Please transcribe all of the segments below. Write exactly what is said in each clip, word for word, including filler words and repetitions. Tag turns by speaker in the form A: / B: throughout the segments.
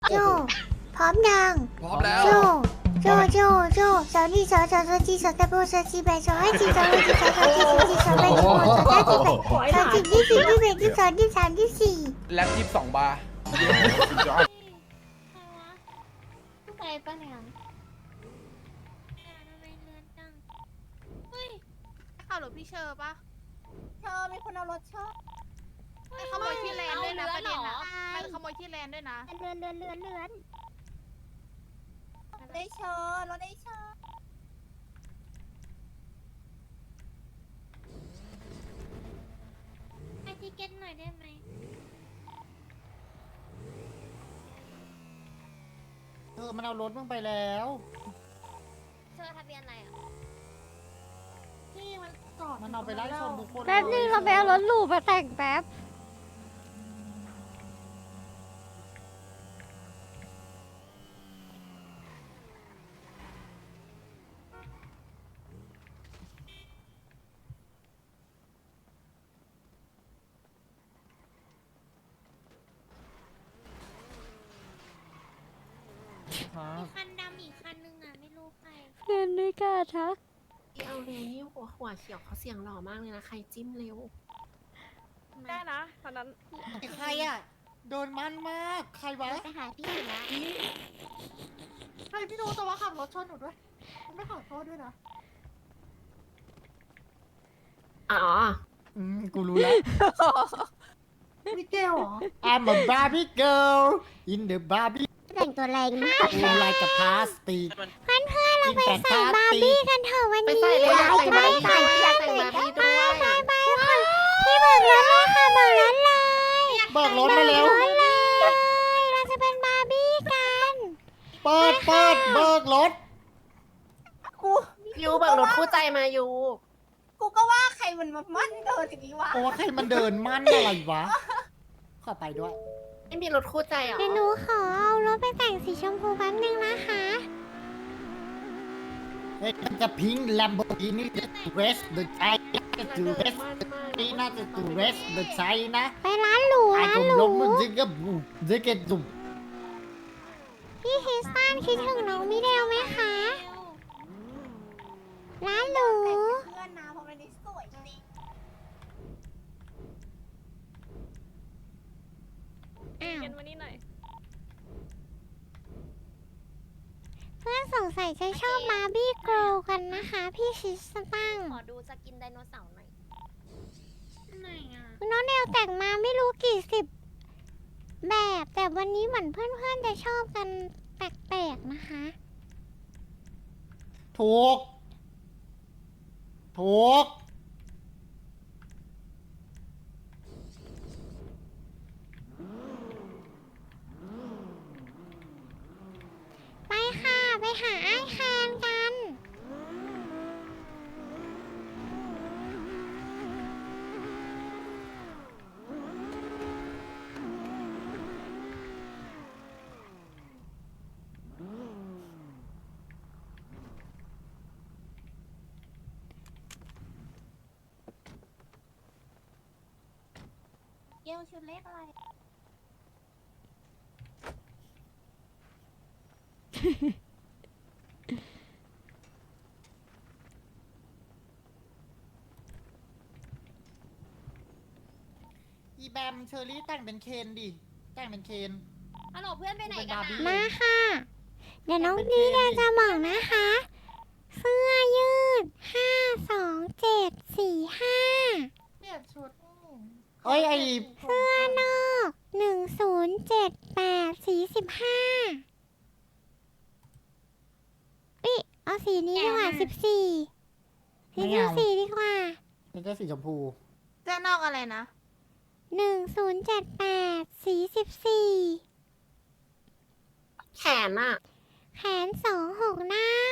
A: โจพร้อมยัง
B: พร้อมแล้ว
A: โจโจโจโจสาวนี่สาวสาวสาวจีสาวตะโบสาวจีแบสาวให้จีสาวให้จีสาวสาวจีสาวจีสาวแบสาวสาวจีแบสาวจีที่สี่ที่แบที่สองที่สามที่สี่
B: แล็ปยี่สิบสองบาร์
A: ไปปะเนี่ย
C: ข่าวหรือพี่เชอร์ปะ
A: เธอมีคนเอารถชอบ
C: ไปขโมยที่แลนด์ด้วยนะประเด็นนะไปขโมยที่แลนด์ด้วยนะ
A: เลือนเลือนเลือนเลือนได้เชิญรถได้เชิญ
D: ให้ทิเก็ตหน่อยได้ไหม
E: เออมันเอารถมึงไปแล้ว
D: เชอร์ทะเบียนอะไรอ่ะ
A: ที่มันจอด
E: มันเอาไปไล่ชนทุกคน
F: แป๊บนึงเราไปเอารถหรูมาแต่งแป๊บ
E: ครับ
D: มีคันดำอีกคันนึงอ่ะ ไม่รู้ใคร
F: เพื่อนไม่กล้าทัก
G: เอาเร็วนี่หัวหัวเขียวเขาเสียงหล่อมากเลยนะ ใครจิ้มเร็ว
C: ได้นะตอนนั้น
E: ใครอ่ะ โดนมันมาก ใครวะ
A: ไปหาพี่อยู่แล้ว
G: ใครพี่รู้แต่ว่าขับรถชนหนูด้วย ไม่ขอโทษด้วยนะ อ๋อ
E: อืม กูรู้แล้ว
G: มิเกลเหรอ
E: I'm a Barbie girl in the Barbie
A: แต่งตัวแรงมาก
E: room like a plastic
F: เพื่อนเพื่อนเราไปใส่บาร์บี้กันเถอะวัน
G: ไป
F: นี้
G: ใส่เลยอยากใส่บาร์บี้
F: ไป
G: ด้วยอยากใส่บาร์บี้ด้วย
F: ไปไปค่ะพี่เบิกรถเลยค่ะเบิกรถเลย
E: เบิกรถมาเร็ว
F: เบิกรถเลยเราจะเป็นบาร์บี้กัน
E: เปิดเปิดเบิกรถ
A: กู
G: ยูเบิกรถคู่ใจมายู
A: กูก็ว่าใครมันมามั่นเดินอย่างนี้วะ
E: โอ้ใครมันเดินมั่นอะไรวะ เข้าไปด้วย
G: ไม่มีรถคู่ใจเหรอ
F: เดี๋ยวหนูขอเอารถไปแต่งสีชมพูแป๊บนึงนะคะ
E: เฮ้ยมันจะพิง Lamborghini the rest the China the rest the China the rest the China
F: ไปร้านหรู
E: ไอ้
F: ร้าน
E: กลม
F: ห
E: ล
F: รู
E: มมันจะกับบุจะเก็ตจุ่ม
F: พี่คริสตันคิดถึงน้องมิเดลไหมคะ ร้านหรู
A: เพื่อนนะเพราะมันนี่สวยจริง
F: อ้าว
C: เย็นวันนี้หน่อย
F: เพื่อนสงสัยจะชอบบาร์บี้เกิร์ลกันนะคะ พี่คริสตัน
D: ขอดูสกินไดโนเสาร์หน่อยไหนอ่ะ
F: น้องเดลแต่งมาไม่รู้กี่สิบแบบ แต่วันนี้เหมือนเพื่อนๆจะชอบกันแปลกๆนะคะ
E: ถูก ถูก
F: ไปค่ะ ไปหาไอ้แคนกัน
A: เกลชุดเล็กอะไร
E: อีแบมเชอรี่แต่งเป็นเคนดิ แต่งเป็นเคน
D: ฮัลโหลเพื่อนไปไหน
E: เป็น
D: กัน
E: บาร์บี้
D: นะ
F: มาค่ะ เดี๋ยวน้องดีเดลจะบอกนะคะ เสื้อยืดห้าสองเจ็ดสี่ห้า
G: เปลี่ยนชุด
E: เอ้ยไอ
F: เสื้อนอกหนึ่งศูนย์เจ็ดแปดสีสิบห้าอิเอาสีนี้ดีกว่าสิบสี่สีสิบสี่ดีกว่า
E: นี่ก็สีชมพู
C: เจ้านอกอะไรนะ
F: หนึ่งศูนย์เจ็ดแปดสีสิบสี่
G: แขนอะ
F: แขนสองหกเน่าร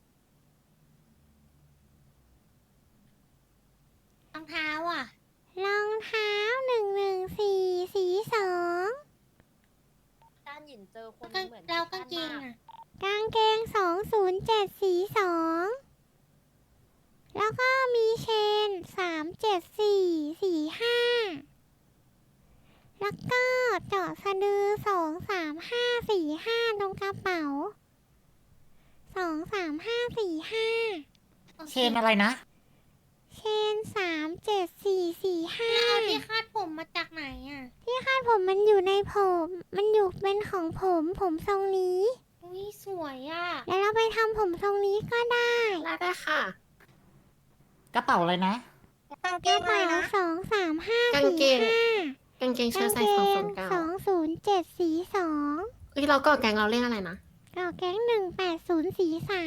D: องเท้าอ่ะ
F: รองเท้าหนึ่งหนึ่งสี่สีสอง
D: ด้านหยินเจอคนกางเหมือนแล้วกางเกงอ่ะ
F: กางเกงสองศูนย์เจ็ดสีสองแล้วก็มีเชนสามเจ็ดสี่สี่ห้าแล้วก็เจาะสะดือสองสามห้าสี่ห้าตรงกระเป๋าสองสามห้าสี่ห้า
E: เชนอะไรนะ
F: เชนสามเจ็ดสี่สี่ห้า
A: เอาที่คาดผมมาจากไหนอ่ะ
F: ที่คาดผมมันอยู่ในผม มันอยู่เป็นของผมผมทรงนี้
A: อุ้ยสวยอ่ะ
F: แล้วเราไปทำผมทรงนี้ก็ได้
D: ได้ได้ค่ะ
E: กระเป๋าอะไรนะ
A: กางเก
F: กระ
A: งอะไร
F: เป๋า
A: นะ
F: สองสามห้าก
D: าง
F: สี่
D: เกง
F: ห้าก
D: างเกงเชิ้
F: กา
D: ต
F: ง
D: ไซ
F: เก
D: ส์สองศู
F: ง
D: นย์เก้า
F: สองศูนย์เจ็ดสีสอง
D: เฮ้ยเราก็แกงเราเรียกอะไรนะ
F: กระแก๊งหนึ่งแปดศูนย์สีสาม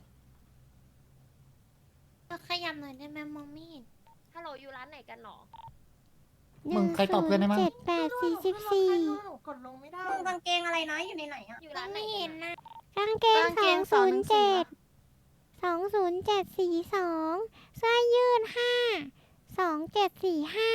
A: ขยับหน่อยได้ไหมมองไม่เห็น
D: ฮัลโหลอยู่ร้านไหนกันหรอ
E: มึงใครตอบเพื่อนได้มั้ง
F: เจ็ดแปดสี่สิบสี่
G: หนูกดลงไม่ได้
A: กางเกงอะไรนะอยู่ในไหนอ่ะ
D: อยู่
A: มอ
D: ร้าง นไหน
A: ไม่
D: กั
A: เห็
D: น
A: น
D: อะ
A: นะ
F: กางเกงสองศูนย์เจ็ดสองศูนย์เจ็ดสีสองเสื้อยืดห้าสองเจ็ดสี่ห้า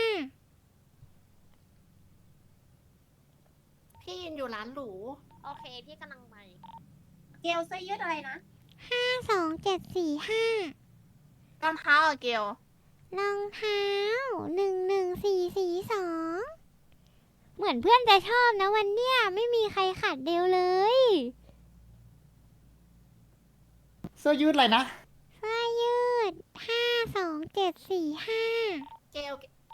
D: พี่ยืนอยู่ร้านหรู โอเค พี่กำลังไป
A: เกลเสื้อยืดอะไรนะ
F: ห้าสองเจ็ดสี่ห้าร
C: องเท้าอะเกล
F: รองเท้าหนึ่งหนึ่งสี่สีสองเหมือนเพื่อนจะชอบนะวันเนี้ยไม่มีใครขัดเดวเลย
E: เสื้อยืดอะไรนะ
F: เสื้อยืดห้าสองเจ็ดสี่ห้า
D: เกล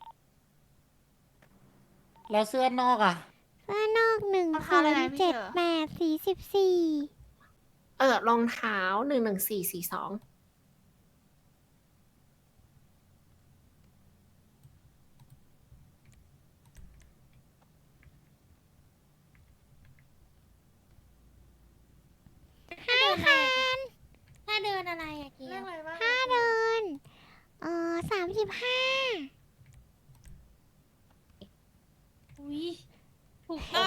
E: แล้วเสื้อนอกอ่ะ
F: เสื้อนอกหนึ่งสองเจ็ดแปดสี่สิบสี่
D: เออรองเท้าหนึ่งหนึ่งสี่สี่สอง
F: ห้าพัน
A: ถ้าเดินอะไรอะเก
G: เรื่
A: ล
G: องอะไรบ้าง
F: ค่าเดินเอ่อสามสิบห้า
A: อุ้ยถูกต้อง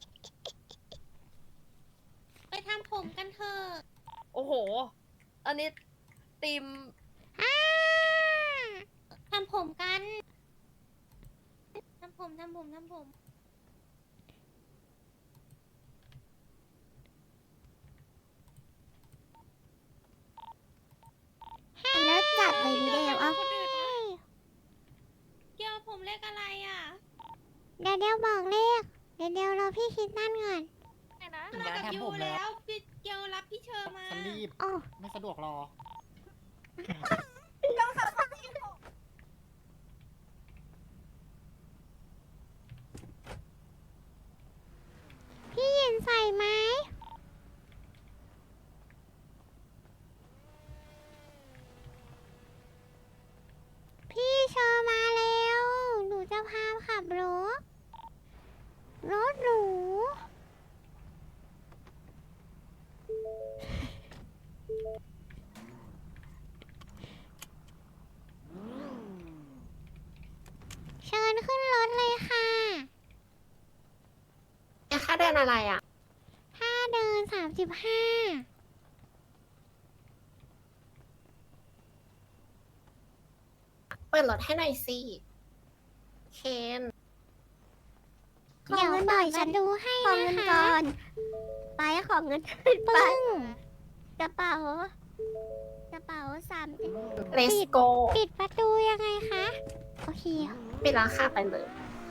A: ไปทำผมกันเถอะ
D: โอ้โห อันนี้ตีม
F: อ้า
A: ทำผมกันทำผมทำผมทำผม
F: แล้วจัดเลยดีเดวเอา
A: คนอื่นนะเกลผมเลขอะไรอ่ะ
F: เดี๋ยวเดี๋ยวบอกเลขเดี๋ยวเดี๋ยวรอพี่คิดนั่นก่อน
D: ไหนนะ
E: ถึงร้านทำผมแล้ว
A: พี่เกลรับพี่เชอร์มา
E: ฉันรีบ
F: อ๋อ
E: ไม่สะดวกรอ
F: พี่หยินใส่ไหมพี่เชอร์มาแล้วหนูจะพาขับรถรถหรูเชิญขึ้นรถเลยค่ะ
D: เนี่ยค่าเดินอะไรอ่ะ
F: ถ้าเดินสามสิบห้า
D: เปิดรถให้หน่อยสิ เคน
F: เดี๋ยวหน่อยฉันดูให้
A: ขอ
F: นะ
A: เงิน
F: คะ
A: ก่อน ไปขอเงิน
F: ปึ้ง
A: กระเป๋า กระเป๋าสาม
D: เลสโก
F: ปิดประตูยังไงคะ โอเค
D: ปิดราคาไปเลย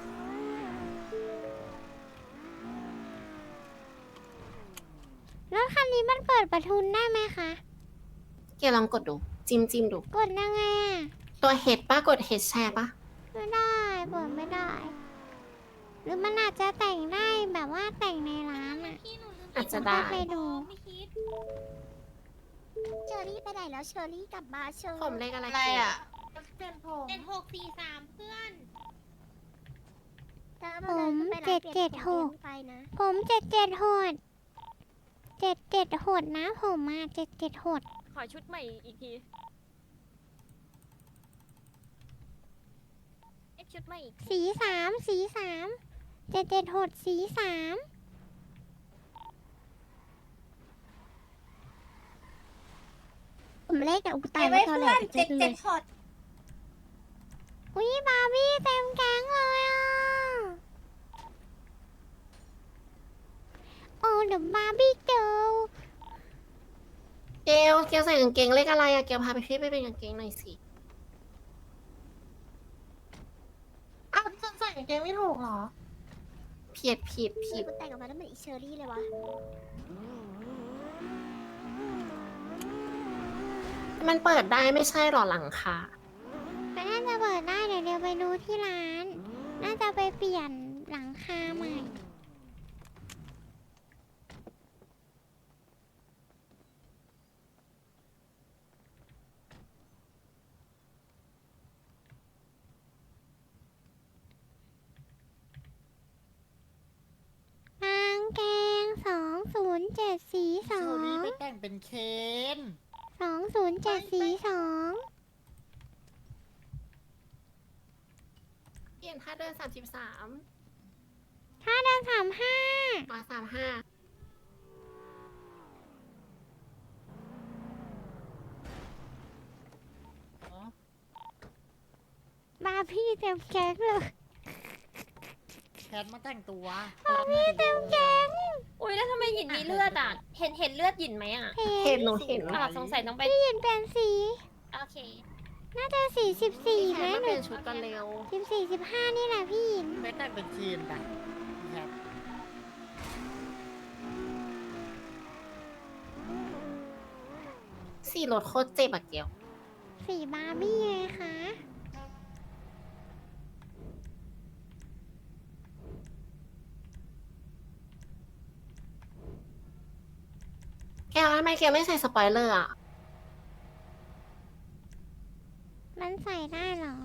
F: รถคันนี้มันเปิดประทุนได้ไหมคะ
D: เกลลองกดดู จิ้มจิ้มดู
F: กดยังไงอ่ะ
D: ตัวเฮดป้ากดเฮดแชร์ปะ
F: ไม่ได้เปิดไม่ได้ หรือมันอาจจะแต่งได้แบบว่าแต่งในร้านอ่ะ
A: พี่หนูลืม
D: อาจจะได้
F: ไปดู
A: ไม่คิดเชอรี่ไปไหนแล้วเชอรี่กลับมาเชอ
D: ผมเลขอะไร
C: อะไร
D: เกล
C: อ่ะ
G: เปลี่ยนผม
A: เจ็ดหกสี่สามเพื่อน
F: ผมเจ็ดเจ็ดหก
A: ไปนะ
F: ผมเจ็ดเจ็ดหดเจ็ดเจ็ดหดนะผมมาเจ็ดเจ็ดหด
D: ขอชุดใหม่อีกทีเอ็กชุดใหม่อีก
F: สีสามสีสามเจ็ดเจ็ดหดสีสาม
A: ผมเลขแต่อุตายไม่เท่าไหร่เจ็ดเจ็ดหด
F: อุ้ยบาร์บี้เต็มแก๊งเลยอ่ะ โอ้เดอะบาร์บี้เจอ
D: เกลเกลใส่กางเกงเลขอะไรอะเกลพาไปพี่ไปเป็นกางเกงหน่อยสิ
G: อ้าวฉันใส่กางเกงไม่ถูกเหรอ
D: ผิดผิดผิด
A: กูแต่งออกมาแล้วเหมือนอีเชอรี่เลยวะ
D: มันเปิดได้ไม่ใช่หรอหลังคา
F: ก็น่าจะเปิดได้เดี๋ยวเดี๋ยวไปดูที่ร้าน น่าจะไปเปลี่ยนหลังคาใหม่ กางเกงสองศูนย์เจ็ดสีส
E: เช
F: อ
E: อรี่
F: ง
E: ไปแต่งเป็นเคน
F: สองศูนย์เจ็ดสีสอง
D: เปลี่ยนท่าเดินสามสิบสาม
F: ถ้าเดินสามห้า
D: มาสามห้า
F: บาร์พี่เต็มแก๊งเลย
E: แคทมาแต่งตัว
F: บาร์พี่เต็มแก๊ง
B: อุ้ยแล้วทำไมหยินมีเลือดอ่ะ เห็นเห็นเลือดหยินไหมอ่ะ
D: เห็นหนูเห็น
B: อ่ะสงสัยต้องไป
F: พี่ยินเป็นสี
B: โอเค
F: น่าจะสี่สิบสี่
D: แค
F: ไหม
D: ทมา
F: ห
D: เป
F: นู
D: ลี่ยนชุดกันเร็ว
F: สิบสี่สิบห้านี่แหละพี่ยิน
E: ไปแต่งเป็นเคนไปแคท
D: สี่รถโคตรเจ็บอะเกียว
F: สีบาร์บี้ไงคะ
D: แกวทำไมแกไม่ใส่สปอยเลอร์อะ
F: มันใส่ได้เหรอ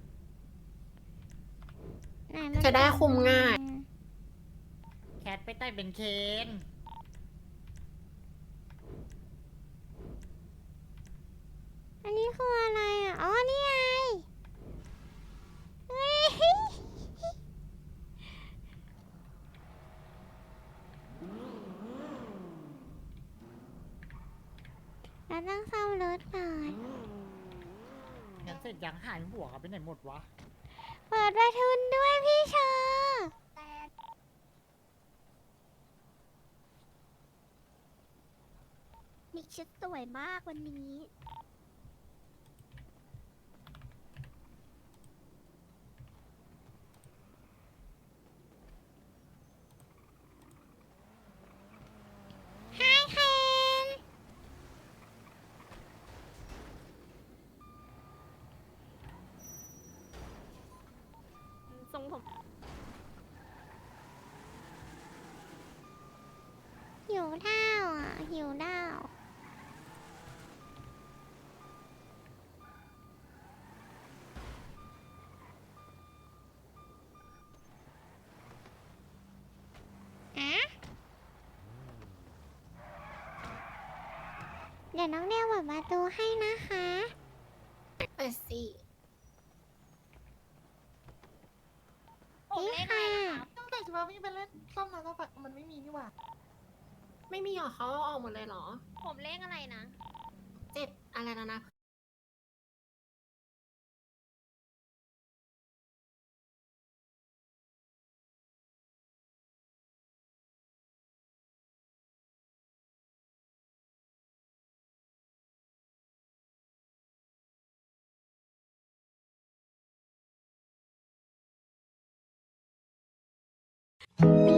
F: ไหนมัน
D: จะได้คุมง่าย
E: แคทไปแต่งเป็นเคน
F: อันนี้คืออะไรอ่ะ อ๋อ นี่ไงเฮ้ยเราต้องซ่อมรถก่อน
E: งั้นเสร็จยังหายหัวกันไปไหนหมดวะ
F: เปิดประทุนด้วยพี่เชอร์มีชุดสวยมากวันนี้ ไฮเคนทรงผมหิวข้าวอ่ะ หิวด้าวอะเดี๋ยวน้องเดวเปิดประตูให้นะคะ
D: ไปสิ
F: นี่ค่ะ
G: ตั้งแต่จะมาวิ่งไปเล่นซ่อมน้ำซ่อมไฟมันไม่มีนี่หว่า
D: ไม่มีหรอเขาเอาออกหมดเลยเหรอ
B: ผมเลขอะไรนะ
D: เจ็ดอะไรนะนะ
F: เ